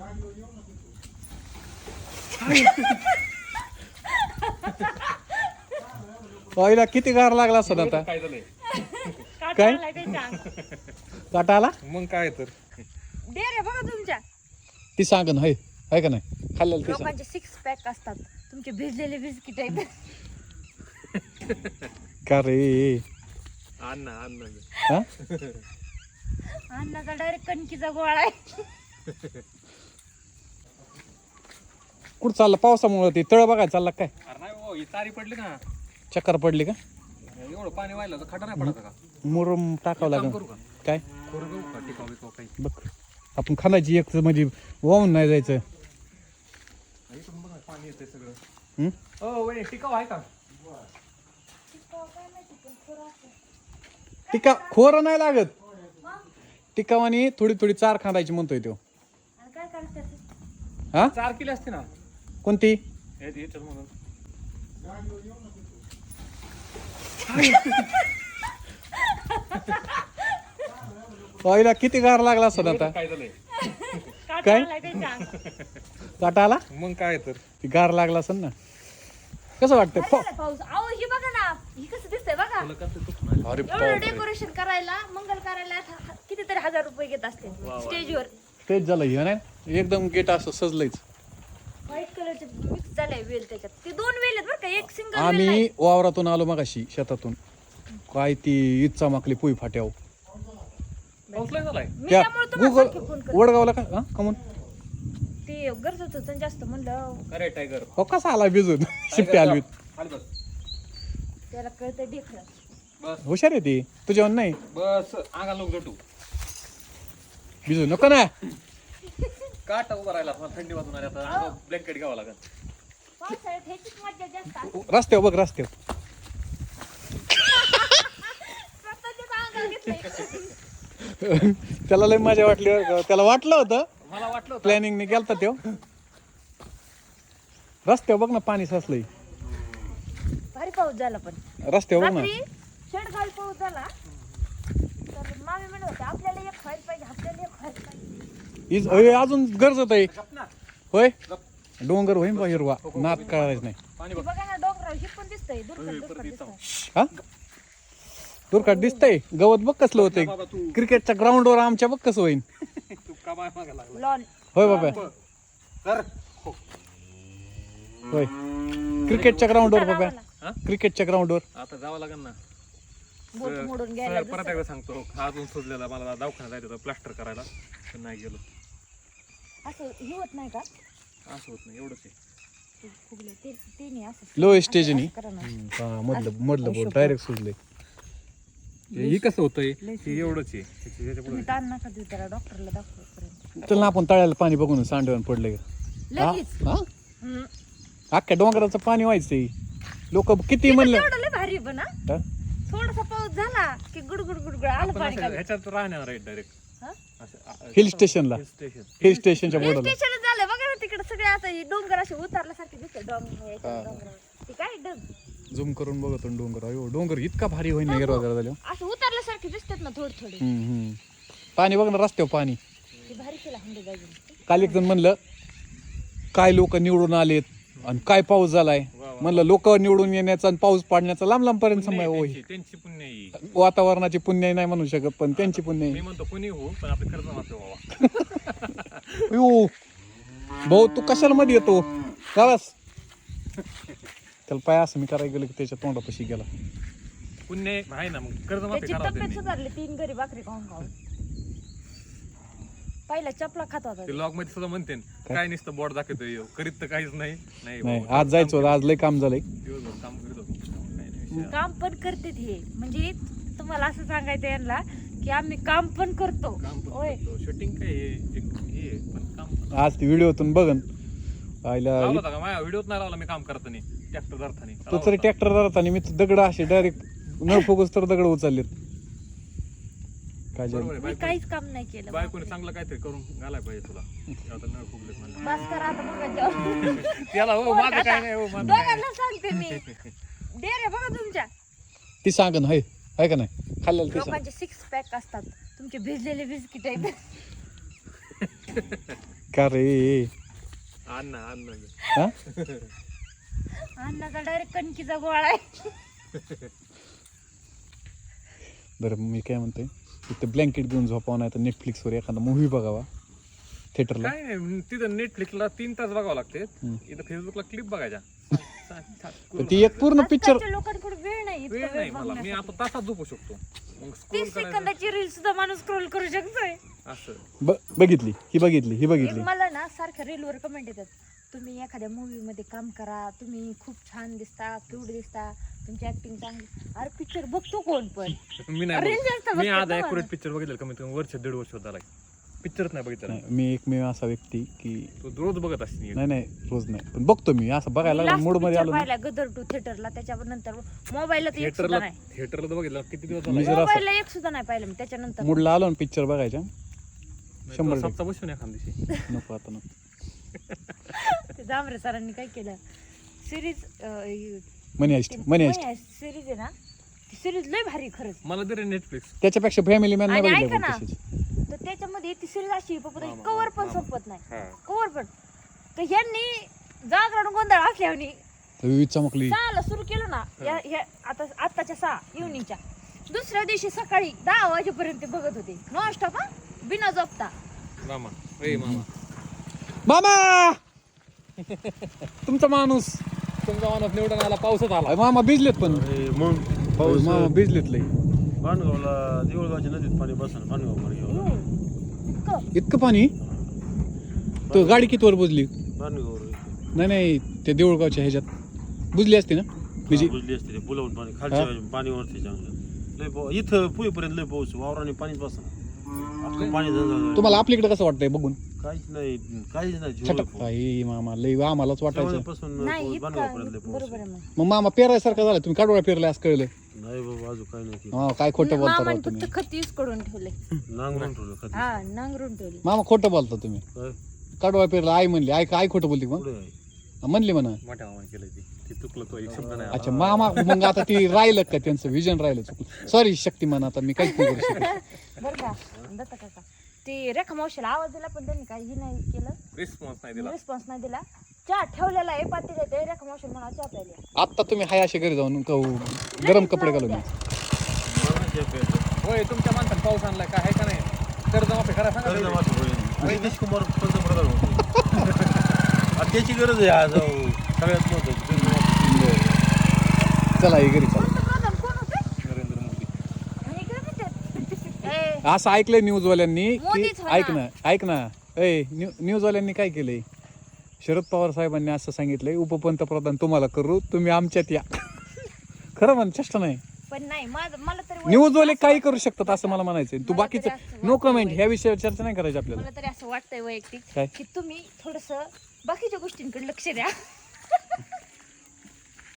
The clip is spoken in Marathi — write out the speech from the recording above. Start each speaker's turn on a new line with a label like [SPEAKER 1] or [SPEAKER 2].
[SPEAKER 1] पहिला किती गार लागला असं आता
[SPEAKER 2] काय झालंय
[SPEAKER 1] काय काटा आला
[SPEAKER 2] मग काय तर
[SPEAKER 3] दे रे बघा तुमच्या
[SPEAKER 1] ती सांग ना हाय का नाही खाल्लेलं ते सांग
[SPEAKER 3] लोकांचे 6 पॅक असतात तुमचे भिजलेले बिस्किट आहेत
[SPEAKER 1] का रे
[SPEAKER 2] अन्न
[SPEAKER 1] हा
[SPEAKER 3] अन्नाचा डायरेक्ट कणकीचा गोळा आहे
[SPEAKER 1] कुठं चाललं पावसामुळे ते तळ बघायला चालला काय
[SPEAKER 2] अरे नाही हो ही तारी पडली ना
[SPEAKER 1] चक्कर पडली का
[SPEAKER 2] एवढं पाणी व्हायला तर खटा नाही पडायचा का
[SPEAKER 1] मुरुम टाकावं
[SPEAKER 2] काम
[SPEAKER 1] लागेल
[SPEAKER 2] करू का
[SPEAKER 1] काय
[SPEAKER 2] करू घेऊ का टिकाव बिकाव काही
[SPEAKER 1] बघ आपण खाण्याची एक म्हणजे वाहून नाही जायचं
[SPEAKER 2] इकडून बघा पाणी येतंय सगळं
[SPEAKER 1] हं?
[SPEAKER 2] हो वहिनी टिकाव आहे का
[SPEAKER 1] टिका खोर नाही लागत टिकावानी थोडी थोडी चार खांदायची म्हणतोय तो
[SPEAKER 3] आणि काय करायचं
[SPEAKER 1] हा
[SPEAKER 2] 4 किलो असते ना
[SPEAKER 1] कोणती
[SPEAKER 2] याच्यात म्हणून
[SPEAKER 1] पहिला किती गार लागला असं आता
[SPEAKER 2] काय झालंय
[SPEAKER 1] काय?
[SPEAKER 3] काय
[SPEAKER 1] काटा आला
[SPEAKER 2] मग काय तर
[SPEAKER 1] ती गार लागला असेल ना कसं वाटतंय
[SPEAKER 3] पाऊस अहो ही बघा ना ही कसं दिसतंय बघा
[SPEAKER 2] तुला कसं दुखणार
[SPEAKER 1] अरे
[SPEAKER 3] एवढं डेकोरेशन करायला मंगल कार्यालयात कितीतरी 1000 रुपये घेत असते स्टेजवर
[SPEAKER 1] तेच झालं हे नाही एकदम गेट असं सजलंयच
[SPEAKER 3] व्हाईट कलरचे मिक्स झाले वेल त्याच्यात ते 2 वेल आहेत बरं का एक सिंगल वेल
[SPEAKER 1] आम्ही वावरातून आलो मगाशी शेतातून काय ती इच्छा माकली पुई फाट्याव
[SPEAKER 2] पाऊस लय झालाय
[SPEAKER 3] मी
[SPEAKER 1] त्या
[SPEAKER 3] त्यामुळे तुम्हाला सारखी फोन करते
[SPEAKER 1] वडगावला का हा कमून
[SPEAKER 3] ते गरजत होतं जास्त म्हणलं
[SPEAKER 2] अरे टायगर
[SPEAKER 1] हो कसा आला भिजून शिप्पी आली
[SPEAKER 2] खाली बस
[SPEAKER 3] त्याला कळतं ढेकळं
[SPEAKER 2] बस
[SPEAKER 1] हुशार आहे ती तुझ्यावर नाही
[SPEAKER 2] बस अंगाला लोक जटू
[SPEAKER 1] भिजू नको ना
[SPEAKER 2] काटा उभा राहिला मला थंडी वाजून आली आता ब्लँकेट घ्यावं लागेल
[SPEAKER 3] पावसाळ्यात ह्याचीच मजा जास्त असते.
[SPEAKER 1] रस्त्यावर बघ रस्त्यावर
[SPEAKER 3] स्वतःच्याच अंगावर घेतलंय.
[SPEAKER 1] त्याला लय मजा वाटली बरं का. त्याला वाटलं होतं
[SPEAKER 2] मला वाटलं होतं
[SPEAKER 1] प्लॅनिंगने गेलता त्यो रस्त्यावर बघ ना पाणी साचलंय
[SPEAKER 3] भारी पाऊस झाला पण
[SPEAKER 1] रस्त्यावर बघ ना
[SPEAKER 3] रात्री शेडगावी पाऊस झाला तर मामी म्हणत होते आपल्याला एक व्हायला पाहिजे आपल्याला एक व्हायला पाहिजे
[SPEAKER 1] अजून गरजत आहे होय डोंगर होईन बा हिरवा नात करायचं नाही
[SPEAKER 2] पाणी
[SPEAKER 3] ते
[SPEAKER 2] बघ
[SPEAKER 3] बघा ना डोंगरावर हे पण दिसतंय दुर्गत दिसतंय
[SPEAKER 1] हा दुर्घट दिसतंय गवत बघ कसलं होतंय
[SPEAKER 2] बाबा तू
[SPEAKER 1] क्रिकेटच्या ग्राउंडवर आमच्या बघ कसं होईन
[SPEAKER 2] तू का माय मागे लागला
[SPEAKER 3] लॉन
[SPEAKER 1] होय बाबा
[SPEAKER 2] कर हो.
[SPEAKER 1] होय क्रिकेटच्या ग्राउंडवर बाबा
[SPEAKER 2] हा?
[SPEAKER 1] क्रिकेटच्या ग्राउंडवर
[SPEAKER 2] आता जावं लागेल ना
[SPEAKER 3] बोट मोडून घ्यायला
[SPEAKER 2] सर, परत एकदा सांगतो हा अजून सुजलेला मला दवाखान्यात जायचं होतं प्लास्टर करायला पण नाही गेलो
[SPEAKER 3] असं हे होत नाही का
[SPEAKER 2] असं होत नाही एवढंच आहे
[SPEAKER 3] ते फुगले ते नाही असं
[SPEAKER 1] लो स्टेजनी
[SPEAKER 3] असं करा ना.
[SPEAKER 1] मधलं बोट डायरेक्ट सुजले
[SPEAKER 2] हे कसं होतंय हे एवढंच आहे त्याच्या
[SPEAKER 3] तुम्ही ताण नका देऊ त्याला डॉक्टरला दाखवपर्यंत
[SPEAKER 1] चल ना आपण तळ्याला पाणी बघून सांडवून पडले
[SPEAKER 3] लगेच हम्म.
[SPEAKER 1] अख्ख्या डोंगराचं पाणी व्हायचंय लोक किती म्हणलं
[SPEAKER 3] तेवढं लय भारी पण हा
[SPEAKER 1] हा?
[SPEAKER 3] थोडासा पाऊस झाला की गुडगुड गुडगुड आलं पाणी खाली.
[SPEAKER 2] ह्याच्यात राहणार आहे डायरेक्ट
[SPEAKER 3] हा?
[SPEAKER 1] हिल स्टेशनला
[SPEAKER 2] स्टेशन
[SPEAKER 1] हिल स्टेशनच्या
[SPEAKER 3] हिल
[SPEAKER 1] बोर्डाला
[SPEAKER 3] स्टेशनच झालं बघा ना तिकडे सगळे आता हे डोंगर असे उतारल्यासारखे दिसते डोंगर ते काय
[SPEAKER 1] झूम करून बघतो डोंगर अयो डोंगर इतका भारी होईन हिरवा झालं
[SPEAKER 3] असं उतारल्यासारखे दिसतात ना थोडे थोडे
[SPEAKER 1] पाणी बघ ना रस्त्यावर पाणी
[SPEAKER 3] ते भारी केला हंडे जागी
[SPEAKER 1] काल एक जण म्हणलं काय लोक निवडून आलेत आणि काय पाऊस झालाय म्हणलं लोक निवडून येण्याचा आणि पाऊस पाडण्याचा लांब लांब पर्यंत समय होई
[SPEAKER 2] त्यांची पुण्य आहे.
[SPEAKER 1] वातावरणाची पुण्य नाही म्हणू शकत पण त्यांची पुण्य
[SPEAKER 2] मी म्हणतो कोणी हो पण आपले खर्च मात्र व्हावा
[SPEAKER 1] यो भाऊ तू कशाला मध्ये येतो खरंच त्याला पाय असं मी करायला गेलो की त्याच्या तोंडापाशी गेला
[SPEAKER 2] पुण्य आहे ना मग कर्ज माफी
[SPEAKER 3] त्याची
[SPEAKER 2] करावं
[SPEAKER 3] तब्येत
[SPEAKER 2] त्यांनी
[SPEAKER 3] सुधारली 3 घरी भाकरी खाऊन खाऊन पहिला चपला खात होता
[SPEAKER 2] ते लॉग मध्ये सुद्धा म्हणते काय नुसतं बोर्ड दाखवतोय करीत तर काहीच नाही नाही
[SPEAKER 1] नाही
[SPEAKER 2] बाबा,
[SPEAKER 1] आज जायचं होतं आज लय काम झालंय
[SPEAKER 2] दिवसभर काम करीत होतो काही नाही विषय.
[SPEAKER 3] काम पण करते हे म्हणजे तुम्हाला असं सांगायचं यांना की आम्ही काम पण करतो
[SPEAKER 2] काम पण
[SPEAKER 3] होय
[SPEAKER 2] करतो शूटिंग काय हे एक हे आहे, पण काम पण
[SPEAKER 1] आज ती व्हिडिओतून बघन आईला
[SPEAKER 2] लावला होता का माझ्या व्हिडिओत नाही लावला मी काम करताना ट्रॅक्टर धरताना
[SPEAKER 1] तो तरी ट्रॅक्टर जाताना मी दगड असे डायरेक्ट न फोकस तर दगड उचललेत काय झालं?
[SPEAKER 2] बरोबर आहे,
[SPEAKER 3] मी काहीच काम नाही केलं
[SPEAKER 2] बायकोने चांगलं काहीतरी करून घालाय पाहिजे तुला आता नळ फुगलेत म्हणलं
[SPEAKER 3] बस करा आता बघा
[SPEAKER 2] त्याला हो माझं काय नाही हो माझं काय
[SPEAKER 3] दोघांना सांगते मी दे रे बघा तुमच्या
[SPEAKER 1] ती सांग ना हाय का नाही खाल्लेलं ते सांग
[SPEAKER 3] लोकांचे 6 पॅक असतात तुमचे भिजलेले बिस्किट आहेत
[SPEAKER 1] का रे
[SPEAKER 2] अन्न
[SPEAKER 1] हा
[SPEAKER 3] अन्नाचा डायरेक्ट कणकीचा गोळा आहे.
[SPEAKER 1] बरं मी काय म्हणतोय इथे ब्लँकेट घेऊन झोपावं नाही तर नेटफ्लिक्सवर एखादा मूवी बघावा थिएटरला.
[SPEAKER 2] काय नाही तिथं नेटफ्लिक्सला 3 तास बघावं लागते. इथं फेसबुकला क्लिप बघायच्या.
[SPEAKER 1] तर ती एक पूर्ण पिक्चर
[SPEAKER 3] आजकालच्या लोकांकडे वेळ नाही इतका
[SPEAKER 2] वेळ
[SPEAKER 3] वेळ
[SPEAKER 2] नाही मला. मी
[SPEAKER 3] बघण्यासाठी.
[SPEAKER 2] आता तासात झोपू शकतो. मग स्क्रोल
[SPEAKER 3] 30
[SPEAKER 2] करायचं
[SPEAKER 3] सेकंदाची रील सुद्धा माणूस स्क्रोल करू शकतोय.
[SPEAKER 2] असं.
[SPEAKER 1] बघितली ही
[SPEAKER 3] एक
[SPEAKER 1] बघितली
[SPEAKER 3] मला ना सारख्या रीलवर कमेंट येतात, तुम्ही एखाद्या मूवी मध्ये काम करा, तुम्ही खूप छान दिसता, क्यूट दिसता, तुमची ऍक्टिंग चांगली. अरे पिक्चर बघतो कोण पण?
[SPEAKER 2] मी नाही
[SPEAKER 3] रील
[SPEAKER 2] बघत.
[SPEAKER 3] जास्त
[SPEAKER 2] मी
[SPEAKER 3] बघतो
[SPEAKER 2] आज
[SPEAKER 3] ना
[SPEAKER 2] ॲक्युरेट
[SPEAKER 3] मला.
[SPEAKER 2] पिक्चर बघितलं कमीत कमी वर्ष 1.5 वर्ष झाला. पिक्चरच नाही बघितलं.
[SPEAKER 1] नाही, मी एकमेव असा व्यक्ती की
[SPEAKER 2] तू रोज बघत असते.
[SPEAKER 1] नाही रोज नाही पण बघतो मी असं बघायला लागलो मूड मध्ये आलो ना.
[SPEAKER 3] पाहिला गदर टू थिएटरला, त्याच्यानंतर मोबाईलला तर एक सुद्धा नाही.
[SPEAKER 2] थिएटरला तर बघितलं किती दिवस
[SPEAKER 1] मी
[SPEAKER 2] झाले.
[SPEAKER 1] जर असं
[SPEAKER 3] मोबाईलला एक सुद्धा नाही पाहिलं मी त्याच्यानंतर.
[SPEAKER 1] मूडला आलो ना पिक्चर बघायच्या 100%
[SPEAKER 2] सप्ताह बसून एखाद दिवशी.
[SPEAKER 1] नको आता नको.
[SPEAKER 3] ते जांभरे सरांनी काय केलं, सिरीज
[SPEAKER 1] मनी हाइस्ट
[SPEAKER 3] सिरीज आहे ना, ती सिरीज लय भारी खरंच.
[SPEAKER 2] मला तरी नेटफ्लिक्स.
[SPEAKER 1] त्याच्यापेक्षा फॅमिली मॅन नाही
[SPEAKER 3] आणि
[SPEAKER 1] बघितलं
[SPEAKER 3] ऐका
[SPEAKER 1] पण
[SPEAKER 3] ना,
[SPEAKER 1] तशीच.
[SPEAKER 3] तर त्याच्यामध्ये ती सिरीज अशी कवर पण संपत नाही,
[SPEAKER 2] हा.
[SPEAKER 3] कवर पण. तर ह्यांनी जागरण गोंधळ असल्याने
[SPEAKER 1] तर चमकली
[SPEAKER 3] 6ला सुरू केलं ना, आता आत्ताच्या 6 इव्हनिंगच्या, दुसऱ्या दिवशी सकाळी 10 वाजेपर्यंत ते बघत होते नॉन स्टॉप, बिना झोपता.
[SPEAKER 2] मामा ए मामा
[SPEAKER 1] मामा तुमचा माणूस
[SPEAKER 2] तुमचा माणूस निवडून आला. पावसात आला.
[SPEAKER 1] मामा भिजलेत पण
[SPEAKER 4] मग पाऊस
[SPEAKER 1] मामा भिजलेत लय.
[SPEAKER 4] पानगावला देऊळगावच्या नदीत पाणी बसलं. पानगाव पाणी
[SPEAKER 3] इतकं
[SPEAKER 1] इतकं पाणी तो गाडी किती वर बुजली?
[SPEAKER 4] पानगावर
[SPEAKER 1] नाही त्या देऊळगावच्या ह्याच्यात बुजली असते ना म्हणजे
[SPEAKER 4] बुजली असते ते पुलावून पाणी खालच्या पाणी वरती चांगलं लय पाऊस. इथं पुईपर्यंत लय पाऊस, वावराने पाणीच बसलं. अख्खं पाणी झालं.
[SPEAKER 1] तुम्हाला आपल्याकडे कसं वाटतंय बघून?
[SPEAKER 4] काहीच नाही
[SPEAKER 1] छटक काही मामा लय आम्हालाच वाटायचं.
[SPEAKER 4] पासून
[SPEAKER 3] नाही
[SPEAKER 4] पानगावपर्यंत लय
[SPEAKER 3] इतकं
[SPEAKER 4] पाऊस.
[SPEAKER 3] बरोबर आहे मग.
[SPEAKER 1] मग मामा पेरायसारखं झालं तुम्ही काढोळा पेरलाय असं कळलं.
[SPEAKER 4] नाही बाबा अजून काही नाही
[SPEAKER 1] हा काय खोटं बोलता राव
[SPEAKER 3] मामाने
[SPEAKER 1] तुम्ही.
[SPEAKER 3] फक्त खत यूज करून ठेवले.
[SPEAKER 4] नांगरून ठेवलं खत.
[SPEAKER 3] हा नांगरून ठेवले.
[SPEAKER 1] मामा खोटं बोलता तुम्ही.
[SPEAKER 4] काय
[SPEAKER 1] काढोळा पेरला आई म्हणली आई खोटं बोलती मग
[SPEAKER 4] पुढे आहे.
[SPEAKER 1] म्हणली म्हणा.
[SPEAKER 2] मोठ्या मामाने केलं ते चुकलं. तो एक शब्द नाही.
[SPEAKER 1] अच्छा मामा मग आता ती राहिलं का त्यांचं विजन राहिलं चुकलं. सॉरी शक्तिमान आता मी काहीच नाही करू शकत.
[SPEAKER 3] बरं का दत्त काका, ते रेखा मावशीला आवाज दिला पण त्यांनी काही नाही केलं,
[SPEAKER 2] रिस्पॉन्स नाही दिला.
[SPEAKER 3] रिस्पॉन्स नाही दिला. चहा ठेवलेला आहे पातेल्यात, ते रेखा मावशीला म्हणा चहा प्यायला.
[SPEAKER 1] आता तुम्ही हाय असे घरी जाऊन गरम कपडे घालून या.
[SPEAKER 4] मागच्या पेरलं.
[SPEAKER 2] होय तुमच्या माणसाने पाऊस आणलाय का आहे का नाही? कर्जमाफी करा सांगा
[SPEAKER 4] कर्ज
[SPEAKER 2] पहिले.
[SPEAKER 4] माफी होईल. नितीश कुमार पंतप्रधान होते. आणि त्याची गरज आहे आज सगळ्यात महत्वाची.
[SPEAKER 1] चला हे घरी चला.
[SPEAKER 3] पंतप्रधान कोण होते?
[SPEAKER 2] नरेंद्र मोदी.
[SPEAKER 3] आणि इकडे म्हणतात, ए,
[SPEAKER 1] असं ऐकलंय न्यूजवाल्यांनी की
[SPEAKER 3] मोदीच होणार.
[SPEAKER 1] ऐक ना न्यूजवाल्यांनी काय केलंय, शरद पवार साहेबांनी असं सांगितलंय उपपंतप्रधान तुम्हाला करू, तुम्ही आमच्यात या. खरं म्हण चेष्टा नाही.
[SPEAKER 3] पण नाही मला तरी
[SPEAKER 1] न्यूजवाले काही करू शकतात असं मला म्हणायचंय. तू
[SPEAKER 3] मला
[SPEAKER 1] बाकीचं
[SPEAKER 3] तरी असं
[SPEAKER 1] नो
[SPEAKER 3] वाटतंय
[SPEAKER 1] कमेंट ह्या विषयावर चर्चा नाही करायची आपल्याला.
[SPEAKER 3] मला तरी असं वाटतंय वैयक्तिक
[SPEAKER 1] काय?
[SPEAKER 3] की तुम्ही थोडस बाकीच्या गोष्टींकडे लक्ष द्या.